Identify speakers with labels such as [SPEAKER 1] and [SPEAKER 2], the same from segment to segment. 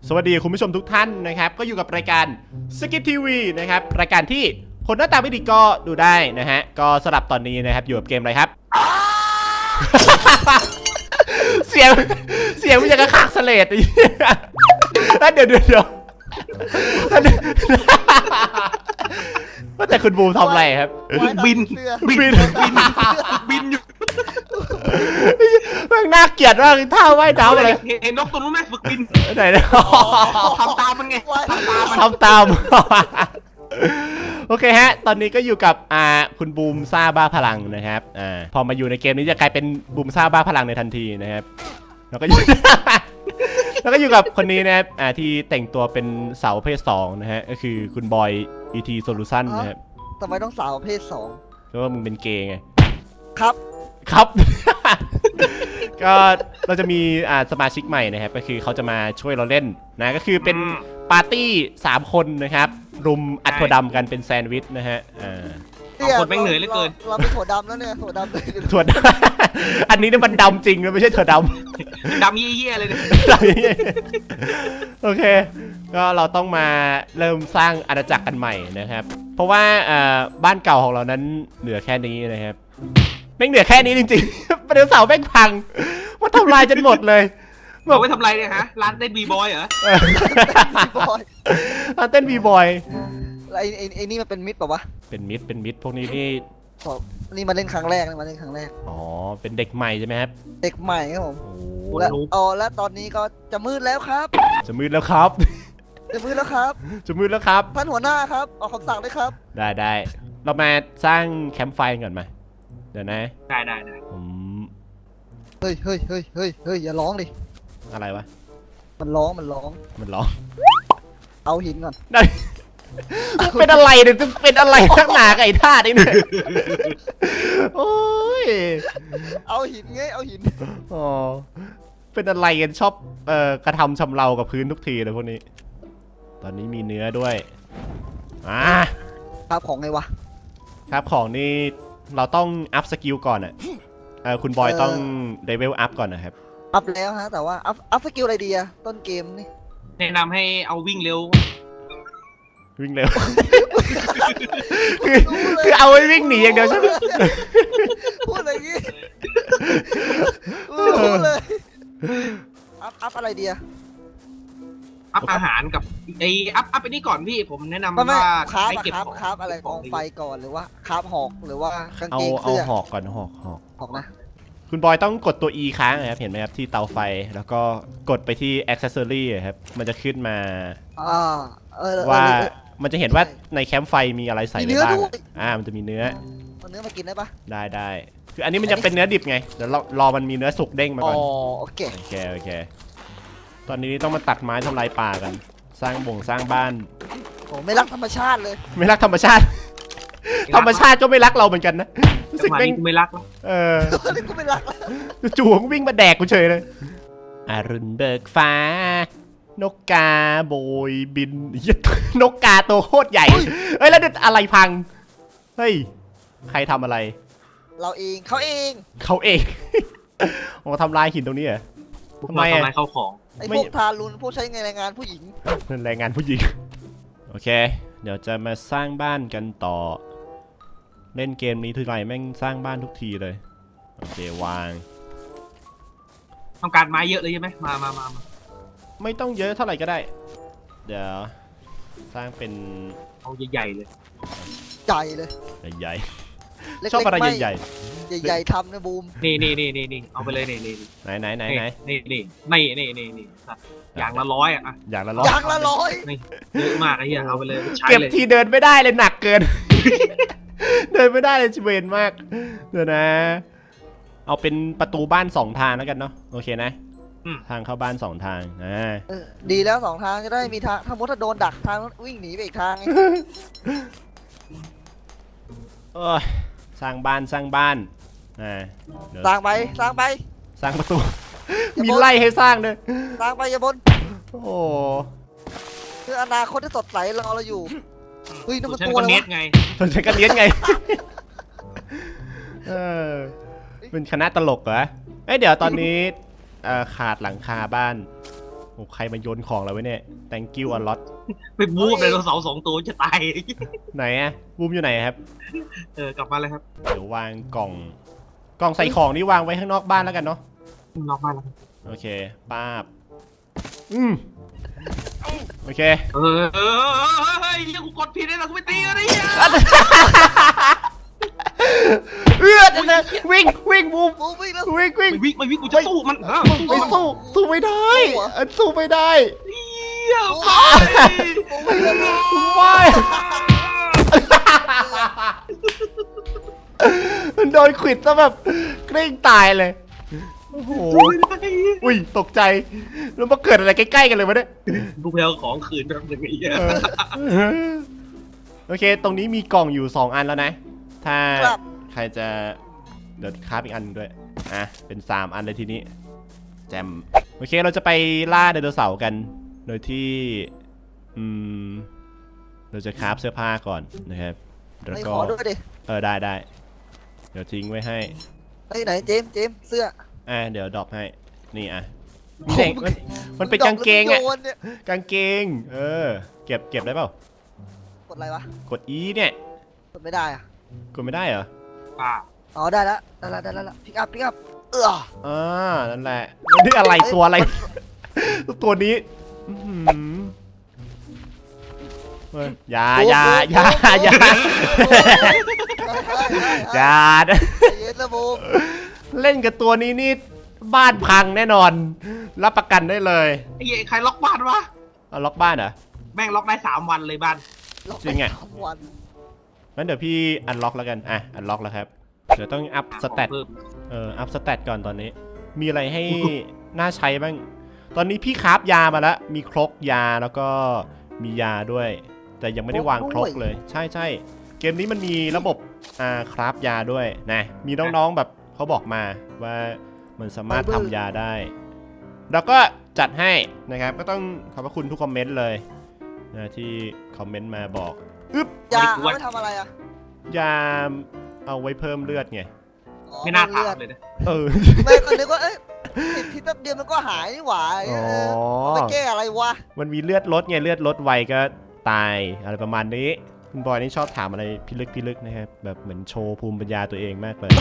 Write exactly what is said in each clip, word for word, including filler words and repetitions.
[SPEAKER 1] สวัสดีคุณผู้ชมทุกท่านนะครับก็อยู่กับรายการสกิททีวีนะครับรายการที่คนหน้าตาไม่ดีก็ดูได้นะฮะก็สำหรับตอนนี้นะครับอยู่กับเกมอะไรครับ เสียงเสียงมันจะกระขากเสลดเดี๋ยวเดี๋ยวเดี๋ยวว่าแต่คุณบูมทำอะไรครับ
[SPEAKER 2] บิน
[SPEAKER 1] บินบิน
[SPEAKER 2] บินอยู่
[SPEAKER 1] แม่งน่าเกลียดมากท่าว่ายน้ำอะไร
[SPEAKER 2] เห็นนกตัวนู้นไหมฝึกบิน
[SPEAKER 1] ไหนเนี่ย
[SPEAKER 2] ทำตามมันไง
[SPEAKER 1] ทำตามโอเคฮะตอนนี้ก็อยู่กับอ่าคุณบูมซ่าบ้าพลังนะครับอ่าพอมาอยู่ในเกมนี้จะกลายเป็นบูมซ่าบ้าพลังในทันทีนะครับแล้วก็อยู่แล้วก็อยู่กับคนนี้นะครับอ่าที่แต่งตัวเป็นสาวเพศสองนะฮะก็คือคุณบอย อี ที Solution นะครับ
[SPEAKER 3] ทำไมต้องสาวเพศสอง
[SPEAKER 1] เพราะว่ามึงเป็นเกย์ไง
[SPEAKER 3] ครับ
[SPEAKER 1] ครับ ก็เราจะมีอ่าสมาชิกใหม่นะครับก็คือเขาจะมาช่วยเราเล่นนะก็คือเป็นปาร์ตี้สามคนนะครับรุมอัดถั่วดำกันเป็นแซนด์วิชนะฮะอ่า
[SPEAKER 2] คนแม่งเหนื่อยเหลือเกิน
[SPEAKER 3] เราเป็นถั่วดำแล้วเนี่ยถั่วดำเลย
[SPEAKER 1] ถั่วดำอันนี้เนี่ยมันดำจริงนะไม่ใช่ถั่วด
[SPEAKER 2] ำดำเยี่ยๆเลยเนี่ย
[SPEAKER 1] โอเคก็เราต้องมาเริ่มสร้างอาณาจักรกันใหม่นะครับเพราะว่าบ้านเก่าของเรานั้นเหลือแค่นี้นะครับแม่งเหลือแค่นี้จริงๆประเดี๋ยวเสาแม่งพังว่าทำลายจนหมดเลย
[SPEAKER 2] บอกว่าทำไรเนี่ยฮะร้านเต้นบีบอยเหรอ
[SPEAKER 1] ร้านเต้นบีบอย
[SPEAKER 3] ไอ้ไอ้ไอ้นี่มันเป็นมิดป่าวะ
[SPEAKER 1] เป็นมิดเป็นมิดพวกนี้นี่
[SPEAKER 3] นี่มาเล่นครั้งแรกมาเล่นครั้งแรก
[SPEAKER 1] อ๋อเป็นเด็กใหม่ใช่ไหมครับ
[SPEAKER 3] เด็กใหม่ครับผมและอ๋อและตอนนี้ก็จะมืดแล้วครับ
[SPEAKER 1] จะมืดแล้วครับ
[SPEAKER 3] จะมืดแล้วครับ
[SPEAKER 1] จะมืดแล้วครับ
[SPEAKER 3] ท่านหัวหน้าครับออกคำสั่งเลยครับ
[SPEAKER 1] ได้ได้เรามาสร้างแคมป์ไฟก่อนไหมเดี๋ยวนะ
[SPEAKER 2] ได้ได้ได้
[SPEAKER 1] ผม
[SPEAKER 3] เฮ้ยเฮ้ยเฮ้ยเฮ้ยเฮ้ยอย่าร้องดิ
[SPEAKER 1] อะไรวะ
[SPEAKER 3] มันร้องมันร้อง
[SPEAKER 1] มันร้อง
[SPEAKER 3] เอาหินก่อน
[SPEAKER 1] ได้เป็นอะไรเนี่ยจะเป็นอะไรทั้งหนาไก่ท่าดิเนี่ยโอ้ย
[SPEAKER 3] เอาหินไงเอาหิน
[SPEAKER 1] อ๋อเป็นอะไรกันชอบเอ่อกระทำชำเรากับพื้นทุกทีเลยพวกนี้ตอนนี้มีเนื้อด้วยอ่า
[SPEAKER 3] ครับของไงวะ
[SPEAKER 1] ครับของนี่เราต้องอัพสกิลก่อนอ่ะเออคุณบอยต้องเลเวลอัพก่อนนะครับ
[SPEAKER 3] อัพแล้วฮะแต่ว่าอัพอัพสกิลอะไรดีอะต้นเกมนี่
[SPEAKER 2] แนะนำให้เอาวิ่งเร็ว
[SPEAKER 1] วิ่งเร็วคือคือเอาไว้วิ่งหนีอย่างเดียวใช่ไหม
[SPEAKER 3] พูดอะไรงี้พูดเลยอัพอัพอะไรดีอะ
[SPEAKER 2] อัพอาหารกับไออัพอัพไปนี่ก่อนพี่ผมแนะนำว่า
[SPEAKER 3] ให้เก็บของคราฟอะไรกองไฟก่อนหรือว่าคราฟหอกหรือว่ากางเกงเสื้
[SPEAKER 1] อเอาหอกก่อนหอกหอก
[SPEAKER 3] หอกนะ
[SPEAKER 1] คุณบอยต้องกดตัว E ค้างนะครับเห็นไหมครับที่เตาไฟแล้วก็กดไปที่ accessory ครับมันจะขึ้นมาว่ามันจะเห็นว่าในแคมป์ไฟมีอะไรใส่บ้างอ่ามันจะมีเนื้อ
[SPEAKER 3] เอาเนื้อมากินได้ปะ
[SPEAKER 1] ได้ได้คืออันนี้มันจะเป็นเนื้อดิบไงเดี๋ยวรอมันมีเนื้อสุกเด้งมาก่อน
[SPEAKER 3] อ๋อโอเค
[SPEAKER 1] โอเคโอเคตอนนี้ต้องมาตัดไม้ทำลายป่ากันสร้างบ่งสร้างบ้าน
[SPEAKER 3] โอ้ไม่รักธรรมชาติเลย
[SPEAKER 1] ไม่รักธรรมชาติธรรมชาติก็ไม่รักเราเหมือนกันนะ
[SPEAKER 2] รู้สึกไม่ไม่รักแล้ว
[SPEAKER 1] เออ
[SPEAKER 3] กูไม่รักแล้ว
[SPEAKER 1] จู่ๆวิ่งมาแดกกูเฉยเลยอรุณเบิกฟ้านกกาโบยบินนกกาตัวโคตรใหญ่เฮ้ยแล้วเด็ดอะไรพังเฮ้ยใครทำอะไร
[SPEAKER 3] เราเองเขาเอง
[SPEAKER 1] เขาเองโอ้ทำลายหินตรงนี้เหรอ
[SPEAKER 2] ทำไมทำลายเข้าของ
[SPEAKER 3] ไอ้พวกทารุณพวกใช้แรงงานผู้หญิง
[SPEAKER 1] แรงงานผู้หญิงโอเคเดี๋ยวจะมาสร้างบ้านกันต่อเล่นเกมนี้ทีไรแม่งสร้างบ้านทุกทีเลยโอเควาง
[SPEAKER 2] ต้องการไม้เยอะเลยใช่ไหมมามามา
[SPEAKER 1] ไม่ต้องเยอะเท่าไหร่ก็ได้เดี๋ยวสร้างเป็น
[SPEAKER 2] เอาใหญ่ๆเลย
[SPEAKER 3] ใหญ่เลย
[SPEAKER 1] ใหญ่ชอบอะไรใหญ่ใหญ่
[SPEAKER 3] ใหญ่ทำนะบูม
[SPEAKER 2] นี่นี่นี่นี่นี่เอาไปเลยนี่นี่
[SPEAKER 1] ไหนไหนไหนไหน
[SPEAKER 2] นี่นี่นี่นี่นี่นี่อย่างละร้อยอ่ะ
[SPEAKER 1] อย่างละร้อย
[SPEAKER 3] อย่างละร้อย
[SPEAKER 2] เยอะมากไอ้เหี้ยเอาไปเลย
[SPEAKER 1] เก็บทีเดินไม่ได้เลยหนักเกินเดินไม่ได้เลยชิเวนมากเดี๋ยวนะเอาเป็นประตูบ้านสองทางแล้วกันเนาะโอเคนะทางเข้าบ้านสองทางอ่า
[SPEAKER 3] ดีแล้วสองทางจะได้มีทางถ้ามุดถ้าโดนดักทางวิ่งหนีไปอีกทาง
[SPEAKER 1] เออสร้างบ้านสร้างบ้านอ่า
[SPEAKER 3] สร้างไปสร้างไป
[SPEAKER 1] สร้างประตูมีไล่ให้สร้างด้วย
[SPEAKER 3] สร้างไปอย่าบน
[SPEAKER 1] โอ้
[SPEAKER 3] คืออนาคตที่สดใสรอเราอยู่เฮ้ยนั่นมันตัว
[SPEAKER 2] อะไรวะไง
[SPEAKER 1] ตัวฉันกันเลี้ยงไงเออเป็นคณะตลกเหรอเอ้ยเดี๋ยวตอนนี้ขาดหลังคาบ้านโอ้ใครมาโยนของเราไว้เนี่ย thank you a lot
[SPEAKER 2] ไปบูมไดโนเสาร์สองตัวจะตาย
[SPEAKER 1] ไหนอะบูมอยู่ไหนครับ
[SPEAKER 2] เออกลับมาเลยครับ
[SPEAKER 1] เดี๋ยววางกล่อง กล่องใส่ของนี่วางไว้ข้างนอกบ้านแล้วกันเนาะ
[SPEAKER 2] นอกบ้านแล้ว
[SPEAKER 1] โอเคป้าบอืมโอเค
[SPEAKER 2] เออเฮ้ยกูกดผิดเลยนะกูไปตีกันดิ
[SPEAKER 1] เออจะจะวิ่งวิ่งบูม
[SPEAKER 3] บูมวิ่งแล้ว
[SPEAKER 1] วิ่งวิ่ง
[SPEAKER 2] ไม่วิ่งไม่วิ่งกูจะสู้มันฮะ
[SPEAKER 1] ไม่สู้สู้ไม่ได้อันสู้ไม่ได้
[SPEAKER 2] เหี้ยไป
[SPEAKER 3] บูมวิ่งแล้ว
[SPEAKER 1] ไม่มันโดนขวิดซะแบบเกรงตายเลยโอ้โหอุ้ยตกใจแล้วมาเกิดอะไรใกล้ๆกันเลยวะเนี่ย
[SPEAKER 2] กูไปเอาของคืนแป๊บนึงไอ้เหี้ย
[SPEAKER 1] เออโอเคตรงนี้มีกล่องอยู่สองอันแล้วนะถ้า
[SPEAKER 3] ครับ
[SPEAKER 1] ใครจะเดี๋ยวคราฟอีกอันหนึ่งด้วยอ่ะเป็นสามอันเลยทีนี้แจมโอเคเราจะไปล่าไดโนเสาร์กันโดยที่อืมเราจะคราฟเสื้อผ้าก่อนนะครับแล้ว
[SPEAKER 3] ไอ้
[SPEAKER 1] ก็
[SPEAKER 3] ขอด้วยดิ
[SPEAKER 1] เออได้ได้เดี๋ยวทิ้งไว้ให้
[SPEAKER 3] ไอ้ไหนเจมส์เจมส์เสื้อ
[SPEAKER 1] อ่ะเดี๋ยวดรอปให้นี่อ่ะนี่เด็กมันมันเป็นกางเกงอ่ะ
[SPEAKER 3] โยนเนี่ย
[SPEAKER 1] กางเกงเออเก็บเก็บได้เปล่าก
[SPEAKER 3] ดอะไรวะ
[SPEAKER 1] กด E เนี่ย
[SPEAKER 3] กดไม่ได้อะ
[SPEAKER 1] กดไม่ได้เหรอ
[SPEAKER 2] ป่า
[SPEAKER 3] อ๋อได้แล้วได้แล้วได้แล้วพิกอัพพิกอัพเออ
[SPEAKER 1] อ่านั่นแหละนี่อะไรตัวอะไร ตัวนี้อื้อหือเฮ้ยอย่าอย่าอย่าอย่าอย่า
[SPEAKER 3] ใจเย็นนะบูม
[SPEAKER 1] เล่นกับตัวนี้นี่บ้านพังแน่นอน รับประกันได้เลย
[SPEAKER 2] ไอ้เหี้ยใครล็อกบ้านวะ
[SPEAKER 1] เอาล็อกบ้านเหรอ
[SPEAKER 2] แม่งล็อกได้สามวันเลยบ้าน
[SPEAKER 1] จริงอะ
[SPEAKER 3] สามวัน
[SPEAKER 1] งั้นเดี๋ยวพี่อันล็อกแล้วกันอ่ะอันล็อกแล้วครับเดี๋ยวต้องอัพสเตต
[SPEAKER 2] เพิ่ม
[SPEAKER 1] เอออัพสเตตก่อนตอนนี้ มีอะไรให้ น่าใช้บ้าง ตอนนี้พี่คราฟยามาแล้ว มีครกยาแล้วก็มียาด้วย แต่ยังไม่ได้วางครกเลย ใช่ใช่เกมนี้มันมีระบบอ่าคราฟยาด้วยนะ มีน้องๆแบบเขาบอกมาว่ามันสามารถทำยาได้ แล้วก็จัดให้นะครับ ก็ต้องขอบพระคุณทุกคอมเมนต์เลยนะที่คอมเมนต์มาบอกอึ๊บ
[SPEAKER 3] ยาเอาไว้ทำอะไรอะ
[SPEAKER 1] ยาเอาไว้เพิ่มเลือดไง
[SPEAKER 3] อ๋อ
[SPEAKER 2] ไม่น่าถาม
[SPEAKER 3] เลือด
[SPEAKER 2] เลยนะ
[SPEAKER 1] เออ
[SPEAKER 3] ไม่ก็นึกว่าเอ้ยติดพิษแป๊บเดียวมันก็หายนี่หว่า
[SPEAKER 1] อ๋อ
[SPEAKER 3] เออเอาไปแก้อะไรวะ
[SPEAKER 1] มันมีเลือดลดไงเลือดลดไวก็ตายอะไรประมาณนี้คุณบอยนี่ชอบถามอะไรพิลึกพิลึกนะครับแบบเหมือนโชว์ภูมิปัญญาตัวเองมากเลย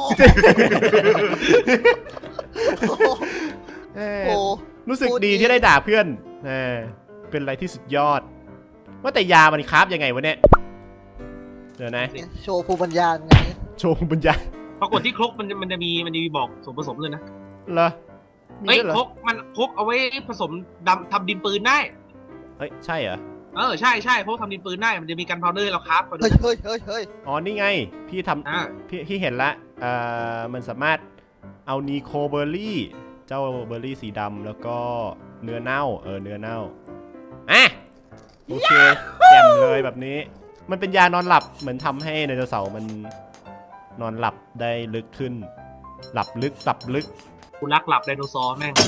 [SPEAKER 1] เออ
[SPEAKER 3] โอ้โห
[SPEAKER 1] รู้สึก
[SPEAKER 3] พูด
[SPEAKER 1] ดี
[SPEAKER 3] ดี
[SPEAKER 1] ที่ได้ด่าเพื่อนเออเป็นอะไรที่สุดยอด ว่าแต่ยามันคราฟยังไงวะเนี่ยเดี๋ยวนะ
[SPEAKER 3] โชว์ภูมิปัญญาไง
[SPEAKER 1] โชว์ภูมิปัญญา
[SPEAKER 2] ปรากฏที่ครกมันจะมันจะมีมันจะมีบอกส่วนผสมเลยนะ
[SPEAKER 1] เหรอมี
[SPEAKER 2] เฮ้ย
[SPEAKER 1] ด้วยเหรอ
[SPEAKER 2] ครกมันครกเอาไว้ผสมดำทำดินปืนได้
[SPEAKER 1] เฮ้ยใช่เหรอ
[SPEAKER 2] เออใช่ใช่เพราะทำดินปืนได้มันจะมีกันพาวเดอร์เราครับพอดี
[SPEAKER 3] เฮ้ยเฮ้ยเฮ้ยเฮ้ย
[SPEAKER 1] อ๋อนี่ไงพี่ท
[SPEAKER 2] อ่า
[SPEAKER 1] ำพี่พี่เห็นละเอ่อมันสามารถเอานีโคเบอร์รี่เจ้าเบอร์รี่สีดำแล้วก็เนื้อเน่าเออเนื้อเน่าอ่ะโอเคแจ่มเลยแบบนี้ มันเป็นยานอนหลับเหมือนทำให้ไดโนเสาร์มันนอนหลับได้ลึกขึ้น หลับลึกหลับลึก
[SPEAKER 2] กูรักหลับไดโนเสาร์แม่ง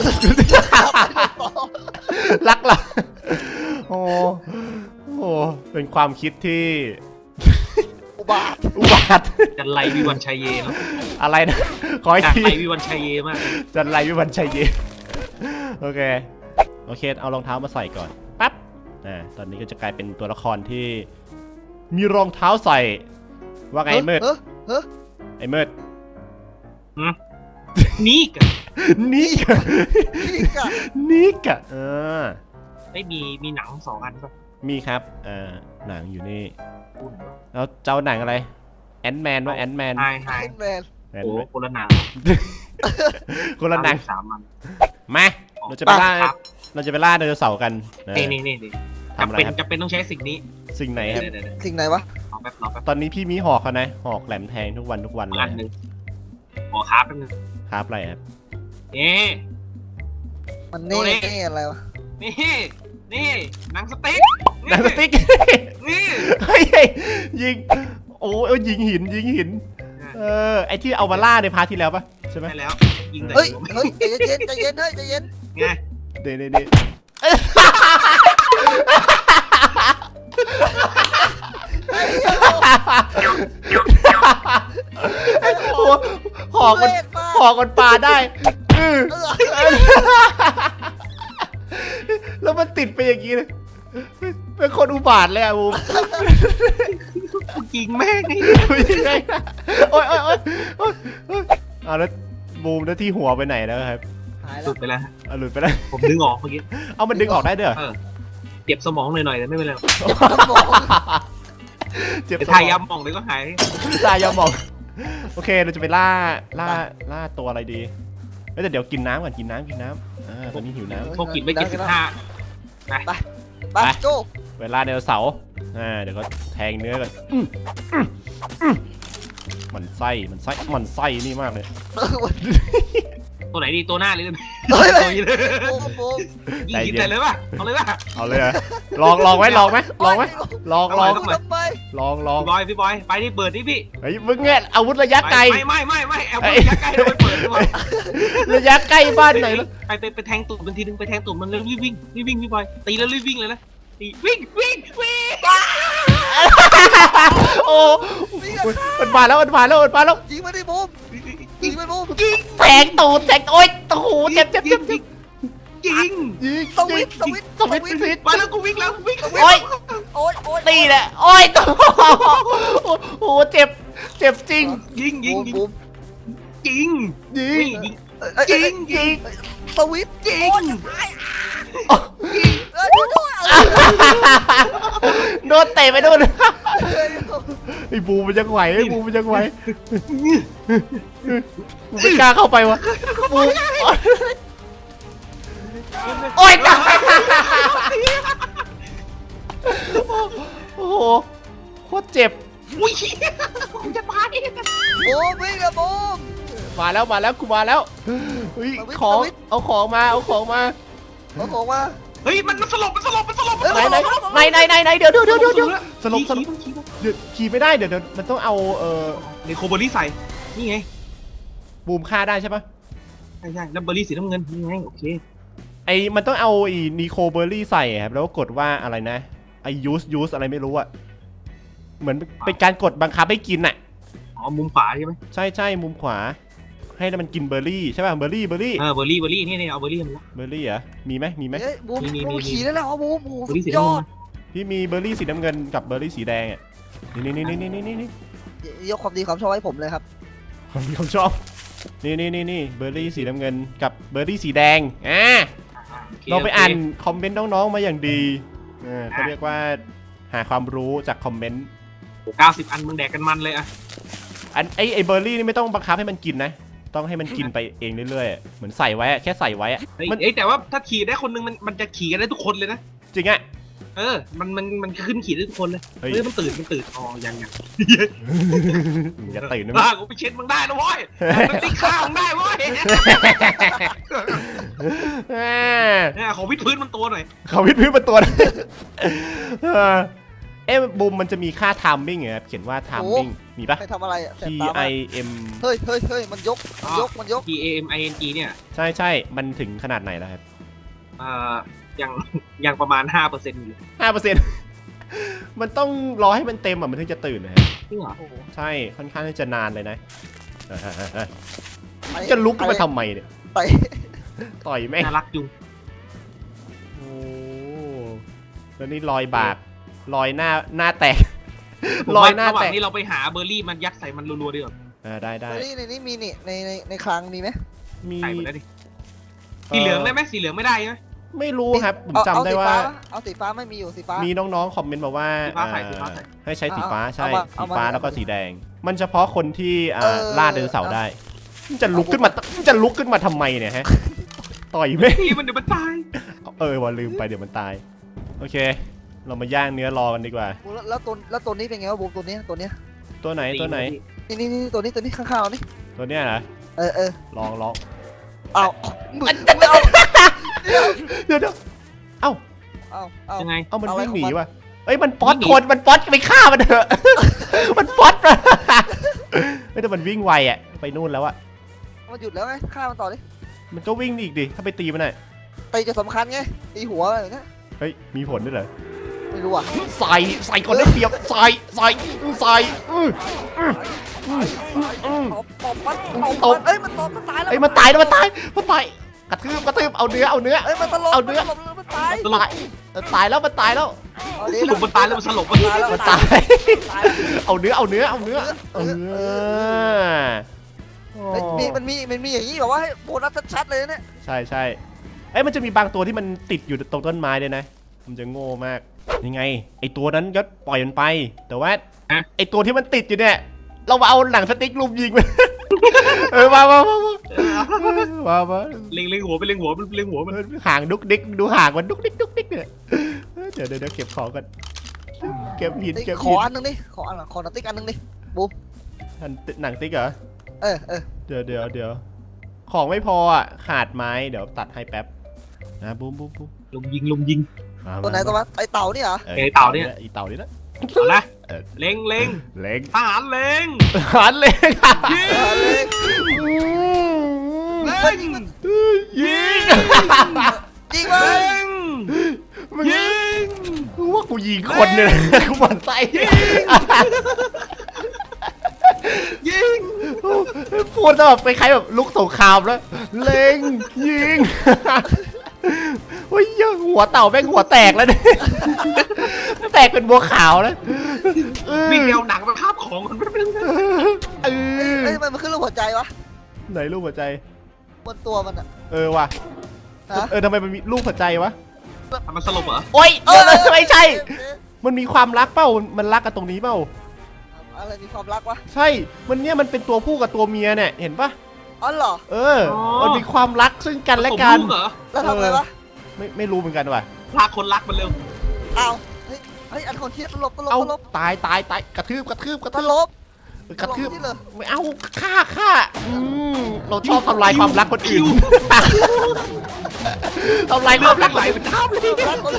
[SPEAKER 1] รักหลับโอ้โหเป็นความคิดที่
[SPEAKER 3] อุบาท
[SPEAKER 1] อุบาท
[SPEAKER 2] จันไรวิวันชัยเยเนาะ
[SPEAKER 1] อะไรนะขออีก
[SPEAKER 2] จัน
[SPEAKER 1] ที
[SPEAKER 2] ไรวิวันชัยเยมาก
[SPEAKER 1] จันไรวิวันชัยเยโอเคโอเคเอารองเท้ามาใส่ก่อนปั๊บอ่าตอนนี้ก็จะกลายเป็นตัวละครที่มีรองเท้าใส่ว่าไงมืด
[SPEAKER 3] เฮ้ยเฮ้ย
[SPEAKER 1] ไอ้มืด
[SPEAKER 2] นี่กัน
[SPEAKER 1] นี่กะ
[SPEAKER 3] นี่กะ
[SPEAKER 1] นี่กะเออ
[SPEAKER 2] ไม่มีมีหนังสองอันป่ะ
[SPEAKER 1] มีครับอ่าหนังอยู่นี่
[SPEAKER 2] คุณ
[SPEAKER 1] แล้วเจ้าหนังอะไรแอนแมนว่าแอนแมน
[SPEAKER 2] ไฮไฮ
[SPEAKER 3] ไอแมน
[SPEAKER 2] โอ้คนละหนัง
[SPEAKER 1] คนละหนัง
[SPEAKER 2] สามอัน
[SPEAKER 1] มาเราจะไปล่า
[SPEAKER 2] ครับ
[SPEAKER 1] เราจะไปล่าไดโนเสาร์กันนะ
[SPEAKER 2] นี่นี่นี่นี่
[SPEAKER 1] ทำอะไร
[SPEAKER 2] จำเป็น
[SPEAKER 1] ครับ
[SPEAKER 2] จำเป็นต้องใช้สิ่งนี้
[SPEAKER 1] สิ่งไหนครับ
[SPEAKER 2] เดี๋ยวเดี๋ยวเดี๋ยว
[SPEAKER 3] สิ่งไหนวะ
[SPEAKER 2] รอแป๊บรอแป๊บ
[SPEAKER 1] ตอนนี้พี่มีหอกเขานะหอกแหลมแทงทุกวันทุกวันเล
[SPEAKER 2] อั
[SPEAKER 1] ย
[SPEAKER 2] นหนึ่งขอคราฟแป๊บนึง
[SPEAKER 1] ครับอะไรครับ
[SPEAKER 2] นี่
[SPEAKER 3] มันนี่
[SPEAKER 2] โอ้ย
[SPEAKER 3] นี่อะไรวะ
[SPEAKER 2] นี่นี่หนังสติ๊ก
[SPEAKER 1] หนังสติ๊ก
[SPEAKER 2] นี่
[SPEAKER 1] เฮ้ยเฮ้ยยิงโอ้ยเอ้ยยิงหินยิงหินเออไอที่เอามาล่าในพาร์ทที่แล้วปะใช่ไหม
[SPEAKER 2] ใช่แล้วยิงแต่
[SPEAKER 3] เฮ้ย
[SPEAKER 2] หัว
[SPEAKER 3] เฮ้ยใจเย็นใจเย็นเฮ้ยใจเย็น
[SPEAKER 2] ไง
[SPEAKER 1] เดี๋ยวเดี๋ยวเดี๋ยวโอ้หอกมัน
[SPEAKER 3] เล่นมาก
[SPEAKER 1] หอกมันปาได้อื้อ
[SPEAKER 3] เออ
[SPEAKER 1] เป็นอย่างนี้เลยเป็นคนอุบาทเลยอะบูม
[SPEAKER 2] ยิงแม่งไง
[SPEAKER 1] ยังไงนะโอ๊ยโอ๊ยโอ๊ยโอ๊ยโอ๊ยเอาแล้วบูมแล้วที่หัวไปไหนแล้วครับ
[SPEAKER 3] หาย
[SPEAKER 2] ห
[SPEAKER 3] แล้
[SPEAKER 2] ลุ
[SPEAKER 3] ว
[SPEAKER 2] ดไปแล้ว
[SPEAKER 1] เอาหลุดไปแล้ว
[SPEAKER 2] ผมดึงออกเมื่อกี้
[SPEAKER 1] เอามันดึงออกได้ด้วยเหรอ
[SPEAKER 2] เออเจ็บสมองหน่อยๆแต่ไม่เป็นไร
[SPEAKER 3] สมอง
[SPEAKER 1] เจ็บ
[SPEAKER 2] ไป
[SPEAKER 1] สม
[SPEAKER 2] ทายา
[SPEAKER 1] อง
[SPEAKER 2] หมองเลยก็หาย
[SPEAKER 1] ตายยาหมองโอเคเราจะไปล่าล่าล่าตัวอะไรดีเอ้ยแต่เดี๋ยวกินน้ำก่อนกินน้ำกินน้ำอ่าตอนนี้หิวน้
[SPEAKER 2] พวกกินไม่เจ็ดสิบห้า
[SPEAKER 3] ไปโจ
[SPEAKER 1] ำเวลาไดโนเสาร์อ่าเดี๋ยวก็แทงเนื้อกันอืมอืมอืมมันไส้มันไส้มันไส้นี่มากเลย
[SPEAKER 3] เออวัน
[SPEAKER 2] ตัวไหนดีตัวหน้าหรือ
[SPEAKER 3] เฮ้ย
[SPEAKER 2] ตัวนี้เลย
[SPEAKER 3] โอ้โห
[SPEAKER 2] ยิงกินใจเลยป่ะเอาเลยป่ะ
[SPEAKER 1] เอาเลยเหรอลองลองไหมลองไหมลองไหมลองลอง
[SPEAKER 3] ทำไม
[SPEAKER 1] ลองลอง
[SPEAKER 2] พี่บอยพี่บอยไปที่เปิดนี่พี่
[SPEAKER 1] เฮ้ยมึงเนี่ยอาวุธระยะไกล
[SPEAKER 2] ไม่ไม่ไม่ไม่แอลระยะไกลเราไปเปิดดีกว่า
[SPEAKER 1] ระยะใกล้บ้านไหนแล้ว
[SPEAKER 2] ไปไปไปแทงตุ่มมันทีนึงไปแทงตุ่มมันแล้วรีบวิ่งรีบวิ่งพี่บอยตีแล้วรีบวิ่งเลยนะตีวิ่งวิ่งวิ่ง
[SPEAKER 1] โอ้มันมาแล้วมันมาแล้วมันมาแล้ว
[SPEAKER 3] ยิงมาดิบูมยิงมาบูม
[SPEAKER 2] ยิง
[SPEAKER 1] แทงตูดแทงโอ๊ยโอ้โหเจ็บเจ็บเจ็บเจ็บ
[SPEAKER 2] ยิง
[SPEAKER 1] ยิง
[SPEAKER 3] สวิตสวิต
[SPEAKER 1] สวิตสวิต
[SPEAKER 2] มาแล้วกูวิ่งแล้ววิ่ง
[SPEAKER 1] โอ๊ย
[SPEAKER 3] โอ๊ยโอ๊ย
[SPEAKER 1] ตีแหละโอ๊ยตัวโอ้โหเจ็บเจ็บจริง
[SPEAKER 2] ยิงยิงยิง
[SPEAKER 3] บูม
[SPEAKER 2] ยิง
[SPEAKER 1] ยิง
[SPEAKER 2] ยิง
[SPEAKER 3] ยิ
[SPEAKER 2] ยิ
[SPEAKER 3] ง
[SPEAKER 2] งยิง
[SPEAKER 3] สวิต
[SPEAKER 2] ยิง
[SPEAKER 3] เออดูด้วย
[SPEAKER 1] โดนเตะไปโดนไอ้บูมันยังไหวไอ้บูมันยังไหวกูไม่กล้าเข้าไปวะบูโอ๊ยตายโอ้โหโคตรเจ็บ
[SPEAKER 2] อุ้ยกูจะตาย
[SPEAKER 3] บูมวิ่งอะบูม
[SPEAKER 1] มาแล้วมาแล้วกูมาแล้วเฮ้ยของเอาของมาเอาของมา
[SPEAKER 3] เอาของมา
[SPEAKER 2] เฮ้ยมันมันสลบมันสลบมันสลบ
[SPEAKER 1] ไหนไหนไหนไหนไหนไหนเดี๋ยวเดี๋ยวเดี๋ยวเดี๋ยวสลบสลบเดี๋ยวขี่ไม่ได้เดี๋ยวเดี๋ยวมันต้องเอาเอ่อ
[SPEAKER 2] ในโคเบอรี่ใส่นี่ไง
[SPEAKER 1] บูมฆ่าได้ใช่ปะ
[SPEAKER 2] ใช่ใช่แล้วเบอร์รี่สีน้ำเงินนี่ไงโอเค
[SPEAKER 1] ไอ้มันต้องเอาไอ้นีโคเบอร์รี่ใส่ครับแล้วก็กดว่าอะไรนะไอ้ยูสยูสอะไรไม่รู้อะเหมือนเป็นการกดบังคับให้กินอะ
[SPEAKER 2] อ๋อมุมขวาใช่ไหม
[SPEAKER 1] ใช่ใช่มุมขวา ให้มันกินเบอร์รี่ใช่ป่ะเบอร์รี่เบอร์รี่
[SPEAKER 2] เออเบอร์รี่เบอร์รี่นี่นี่เอาเบอร์รี่มาแล้ว
[SPEAKER 1] เบอร์รี่เหรอมีไหมมีไหม
[SPEAKER 3] เฮ้ยบูม
[SPEAKER 2] มีมี
[SPEAKER 3] บูม
[SPEAKER 2] มี
[SPEAKER 3] ขี่ได้แล้วบูมบูม
[SPEAKER 2] เบอร์รี่สี
[SPEAKER 3] ย
[SPEAKER 2] น้ำ
[SPEAKER 3] อ
[SPEAKER 2] เงิ
[SPEAKER 3] ด
[SPEAKER 2] น
[SPEAKER 1] พี่มีเบอร์รี่สีน้ำเงินกับเบอร์รี่สีแดงอะนี่นี่นี่นี่นี่นี่นี่
[SPEAKER 3] ยกความดีความชอบให้ผมเลยครับ
[SPEAKER 1] ผมผมชอบนี่นี่นี่นี่เบอร์รี่สีน้ำเงินกับเบอร์รี่สีแดงอ่า เราไปอ่านคอมเมนต์น้องๆมาอย่างดีเออเขาเรียกว่าหาความรู้จากคอมเมนต์
[SPEAKER 2] เก้าสิบอันมึงแดกกันมันเลยอะ
[SPEAKER 1] อันไอไอเบอร์รี่นี่ไม่ต้องบังคับให้มันกินนะ ต้องให้มันกินไปเองเรื่อยๆ เหมือนใส่ไว้อะแค่ใส่ไว้อะ
[SPEAKER 2] เฮ้ย
[SPEAKER 1] มัน
[SPEAKER 2] เอ้ยแต่ว่าถ้าขี่ได้คนนึงมันมันจะขี่กันได้ทุกคนเลยนะ
[SPEAKER 1] จริงอะ
[SPEAKER 2] เออมันมันมันขึ้นขี่ได้ทุกคนเลย
[SPEAKER 1] เฮ้ย
[SPEAKER 2] เฮ้ยมันตื่นมันตื่นอ๋อยังยัง
[SPEAKER 1] อย่าตื่นนะ
[SPEAKER 2] บ้ากูไปเช็ดมึงได้นะเว้ยมันตีข้าวมึงได้เว้ย
[SPEAKER 1] อ่า
[SPEAKER 2] เนี่ยขอวิดพื้นมันตัวหน่อย
[SPEAKER 1] เขาวิดพื้นเป็นตัวนะเออเอ๊ะบูมมันจะมีค่าไทามมิ่งเหรอครับเขียนว่าไทามมิ่งมีปะ
[SPEAKER 3] ใครทำอะไรอะแส
[SPEAKER 1] T
[SPEAKER 3] บตามาก
[SPEAKER 1] I M
[SPEAKER 3] เฮ้ยเฮ้ยเฮ้ยมันยกมันยกมันยก
[SPEAKER 2] T A M I N G เนี่ย
[SPEAKER 1] ใช่ใช่มันถึงขนาดไหนแล้วครับ
[SPEAKER 2] เอ่อยังยังประมาณห้าเปอร์เซ็นต์อยู่
[SPEAKER 1] ห้าเปอร์เซ็นต์ มันต้องรอให้มันเต็มอ่ะมันถึงจะตื่นนะฮะ
[SPEAKER 2] จริงเหรอ
[SPEAKER 3] โอ้โห
[SPEAKER 1] ใช่ค่อนข้างที่จะนานเลยนะ
[SPEAKER 3] ไป
[SPEAKER 1] จะลุกขึ้นมาทำไมเนี่ย
[SPEAKER 3] ไป
[SPEAKER 1] ต่อยแม่ง
[SPEAKER 2] น่ารักจุง
[SPEAKER 1] โอ้แล้วนี่รอยบากรอยหน้าหน้าแตก
[SPEAKER 2] ผม
[SPEAKER 1] รอ
[SPEAKER 2] ว่าย
[SPEAKER 1] หน้า
[SPEAKER 2] ระหว่า
[SPEAKER 1] แต
[SPEAKER 2] ง
[SPEAKER 1] ก
[SPEAKER 2] นี้เราไปหาเบอร์รี่มันยัดใส่มันรัวๆดีกว่า
[SPEAKER 1] อ่าได้ได้
[SPEAKER 3] นี่ในนี้มีนี่ในในในคลังมีไหม
[SPEAKER 1] มี
[SPEAKER 2] ใส่หมดแล้วดิสีเหลืองได้ไหมสีเหลืองไม่ได้ใช่ไหม
[SPEAKER 1] ไม่รู้ครับผม
[SPEAKER 3] เอา
[SPEAKER 1] จำได้ว่า
[SPEAKER 3] เอาสีฟ้าไม่มีอยู่สีฟ้า
[SPEAKER 1] มีน้องๆคอมเมนต์มาว่า
[SPEAKER 2] สีฟ้าใส่
[SPEAKER 1] เอ่อ
[SPEAKER 2] สีฟ้าใส่
[SPEAKER 1] ให้ใช้สีฟ้าใช่
[SPEAKER 3] เอามา
[SPEAKER 1] สี
[SPEAKER 3] เอามา
[SPEAKER 1] ฟ้าแล้วก็สีแดง มันเฉพาะคนที่อ่า
[SPEAKER 3] เออ
[SPEAKER 1] ล่าไดโนเสาร์ได้มันจะลุกขึ้นมามันจะลุกขึ้นมาทำไมเนี่ยฮะต่อยแม่ง
[SPEAKER 2] พี่มันเดี๋ยวมันตาย
[SPEAKER 1] เออว่าลืมไปเดี๋ยวมันตายโอเค เรามาย่างเนื้อรอกันดีกว่า
[SPEAKER 3] แล้วแล้วตัวแล้วตัวนี้เป็นไงวะบูมตัวนี้ตัวเนี้ย
[SPEAKER 1] ตัวไหนตัวไหน
[SPEAKER 3] นี่นี่นี่ตัวนี้ตัวนี้ข้างๆเรานี่
[SPEAKER 1] ตัวเนี้ยเหรอ
[SPEAKER 3] เออเออ
[SPEAKER 1] ลองลอง
[SPEAKER 3] เอามึงไม่เอา
[SPEAKER 1] เดี๋ยวเดี๋ยวเอ้า
[SPEAKER 3] เอาเอา
[SPEAKER 2] ยังไง
[SPEAKER 1] เอ้ามัน
[SPEAKER 3] เอาไว้
[SPEAKER 1] วิ่งหนี
[SPEAKER 3] ของมัน
[SPEAKER 1] ว่ะเอ้ยมันป๊อต
[SPEAKER 2] วิ่งหนี
[SPEAKER 1] คนมันป๊อตไปฆ่ามันเถอะ มันป๊อตมาไม่แต่มันวิ่งไวอ่ะไปนู่นแล้วอะ
[SPEAKER 3] มันหยุดแล้วไงฆ่ามันต่อดิ
[SPEAKER 1] มันก็วิ่งอีกดิถ้าไปตีมันหน่อย
[SPEAKER 3] ตีจะสำคัญไงตีหัวอะไรอย่างเงี้ย
[SPEAKER 1] เฮ้ยมีผลด้วยเหรอ
[SPEAKER 3] ไม่รู้อ่ะ
[SPEAKER 1] ใส่ใส่คนได้เปรียบใส่ใส่ใส่อื้ออื้ออื้ออื้อ
[SPEAKER 3] ตบตบมันตบ
[SPEAKER 1] ตบ
[SPEAKER 3] มันเอ้ยมันตบมันตายแล้ว
[SPEAKER 1] เอ้ยมันตายแล้วมันตายมันตายกระทืบกระทืบเอาเนื้อเอาเนื้อ
[SPEAKER 3] เอ้ยมันตลบ
[SPEAKER 1] เอาเนื้อ
[SPEAKER 3] มันตลบมันตาย
[SPEAKER 2] สลบ
[SPEAKER 1] ตายตายแล้วมันตายแล้ว
[SPEAKER 3] เอาดิ
[SPEAKER 2] สรุปมันตายแล้วมันสลบมัน
[SPEAKER 3] ตายแล้ว
[SPEAKER 1] มัน
[SPEAKER 3] ตา
[SPEAKER 1] ตาย ย
[SPEAKER 3] ตาย
[SPEAKER 1] เอาเนื้อเอาเนื้อเอาเนื้อเออ
[SPEAKER 3] เฮ้ยมีมันมีมันมีอย่างนี้แบบว่าให้โบนัสชัดๆเลยนะเนี่ย
[SPEAKER 1] ใช่ใช่เอ้ยมันจะมีบางตัวที่มันติดอยู่ตรงต้นไม้ด้วยนะมันจะโง่มากยังไงไอตัวนั้นก็ปล่อยมันไป แต่ว่าไอตัวที่มันติดอยู่เนี่ยเรามาเอาหนังสติ๊กลุมยิงมัน เออมามามามามามา
[SPEAKER 2] เล็งเล็งหัวไปเล็งหัวมันเล็งหัวมัน
[SPEAKER 1] ห่างดุกดิกดูห่างมันดุกดิกดุกดิกเนี่ยเดี๋ยวเดี๋ยวเดี๋ยวเก็บของกันเก็บหิน
[SPEAKER 3] เฮ้ย
[SPEAKER 1] เก็บ
[SPEAKER 3] ข
[SPEAKER 1] หิ
[SPEAKER 3] อน อันนึงดิขออันขอหนังติ๊กอันนึงดิ
[SPEAKER 1] อันหนังติ๊กเหรอ
[SPEAKER 3] เออเออ
[SPEAKER 1] เดี๋ยวเดี๋ยวเดี๋ยวของไม่พออ่ะขาดไม้เดี๋ยวตัดให้แป๊บนะบูมบูมบูม
[SPEAKER 2] ลุมยิงลุมยิง
[SPEAKER 1] มา
[SPEAKER 3] ตัวไหนตัววะไอเต่านี่เหรอ
[SPEAKER 1] ออ
[SPEAKER 2] ไอ้เต่าเนี่ย
[SPEAKER 1] อีเต่านี่นะ
[SPEAKER 2] เอาละ
[SPEAKER 1] เออ
[SPEAKER 2] เล็งเล็ง
[SPEAKER 1] เล็ง
[SPEAKER 2] ทหารเล็ง
[SPEAKER 1] หันเล็ง
[SPEAKER 2] ยิง
[SPEAKER 3] เออเลย
[SPEAKER 2] เล็ง
[SPEAKER 1] ยิง
[SPEAKER 3] จริงไหม
[SPEAKER 2] เล็ง
[SPEAKER 1] มึง
[SPEAKER 2] ยิง
[SPEAKER 1] กูว่ากูยิงคนเนี่ยกูหมั่นไส้
[SPEAKER 2] ยิง
[SPEAKER 1] พูดแบบไปคล้ายแบบลุกสงครามแล้วเล็งยิงโอ้ยหัวเต่าแม่งหัวแตกแล้วเนี่ยแตกเป็นบัวขาวแล้ว
[SPEAKER 2] วิ่งแนวหนังมาคาบของมันไม่เป็นไร
[SPEAKER 1] เออ
[SPEAKER 3] เอ้ยทำไมมันขึ้นรูปหัวใจวะ
[SPEAKER 1] ไหนรูปหัวใจ
[SPEAKER 3] บนตัวมันอะ
[SPEAKER 1] เออว่ะ
[SPEAKER 3] ฮะ
[SPEAKER 1] เออทำไมมันมีรูปหัวใจวะ
[SPEAKER 2] มันสลบเหรอ
[SPEAKER 1] โอ๊ยเดี๋ยวนะไม่ใช่
[SPEAKER 3] เอ๊ะ
[SPEAKER 1] มันมีความรักเปล่ามันรักกันตรงนี้เปล่า
[SPEAKER 3] อะไรมีความรักวะ
[SPEAKER 1] ใช่มันเนี่ยมันเป็นตัวผู้กับตัวเมียเนี่ยเห็นปะ
[SPEAKER 3] อ๋อเหรอ
[SPEAKER 1] เออ มันมีความรักซึ่งกันและ
[SPEAKER 2] สม
[SPEAKER 1] กัน
[SPEAKER 2] ลูเหรอ
[SPEAKER 3] แล้วทำไงวะ
[SPEAKER 1] ไม่ไม่รู้เหมือนกันว่ะ
[SPEAKER 2] พาคนรักมันเร็ว
[SPEAKER 3] อ้าวเฮ้ยเฮ้ยอันคนที่ตลบตลบ
[SPEAKER 1] เอา
[SPEAKER 3] ตลบ
[SPEAKER 1] ตายตายตายกระทืบกระทืบกระ
[SPEAKER 3] ต
[SPEAKER 1] ทืบ
[SPEAKER 3] ลบ
[SPEAKER 1] กระทืบ
[SPEAKER 3] ที่เลย
[SPEAKER 1] ไม่เอาฆ่าฆ่าอืมเราชอบทำลายความรักคนอื่นทำลายความรักไหลเป็นท่าเลย
[SPEAKER 3] รักคน